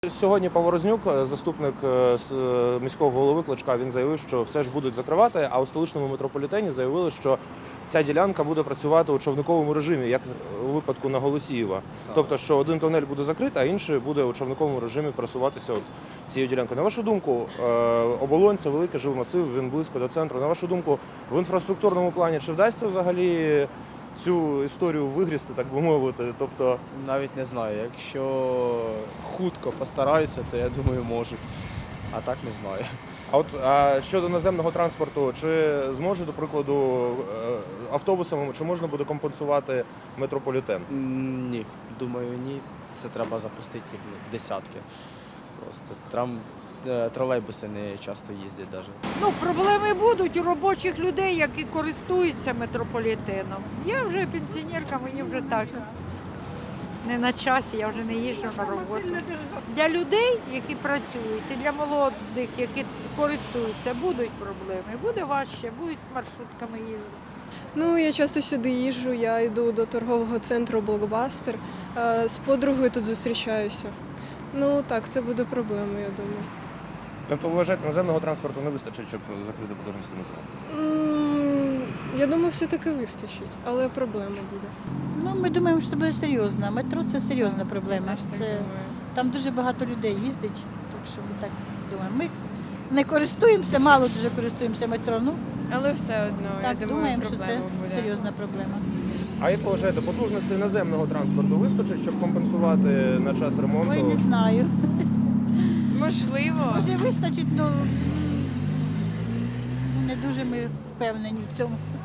Сьогодні Поворознюк, заступник міського голови Кличка, він заявив, що все ж будуть закривати, а у столичному метрополітені заявили, що ця ділянка буде працювати у човниковому режимі, як у випадку на Голосіїва. Тобто, що один тунель буде закритий, а інший буде у човниковому режимі просуватися цією ділянкою. На вашу думку, Оболонь – це великий жилмасив, він близько до центру. На вашу думку, в інфраструктурному плані чи вдасться взагалі цю історію вигрізти, так би мовити? Тобто... Навіть не знаю. Якщо хутко постараються, то я думаю, можуть. А так не знаю. А щодо наземного транспорту, чи зможе, до прикладу, автобусами, чи можна буде компенсувати метрополітен? Ні, думаю, ні. Це треба запустити десятки. Просто тролейбуси не часто їздять навіть. Проблеми будуть у робочих людей, які користуються метрополітеном. Я вже пенсіонерка, мені вже так не на часі, я вже не їжджу на роботу. Для людей, які працюють, і для молодих, які користуються, будуть проблеми. Буде важче, будуть маршрутками їздити. Я часто сюди їжджу, я йду до торгового центру «Блокбастер». З подругою тут зустрічаюся. Так, це буде проблема, я думаю. Тобто, ви вважаєте, наземного транспорту не вистачить, щоб закрити потужність метро? Я думаю, все-таки вистачить, але проблема буде. Ми думаємо, що це буде серйозно. Метро – це серйозна проблема. Там дуже багато людей їздить, так що ми так думаємо. Ми не користуємося, мало дуже користуємося метро. Але все одно, Так, я думаю, думаємо, що це проблема буде. серйозна проблема. А як ви вважаєте, потужностей наземного транспорту вистачить, щоб компенсувати на час ремонту? Ой, не знаю. Можливо. Може вистачить, але не дуже ми впевнені в цьому.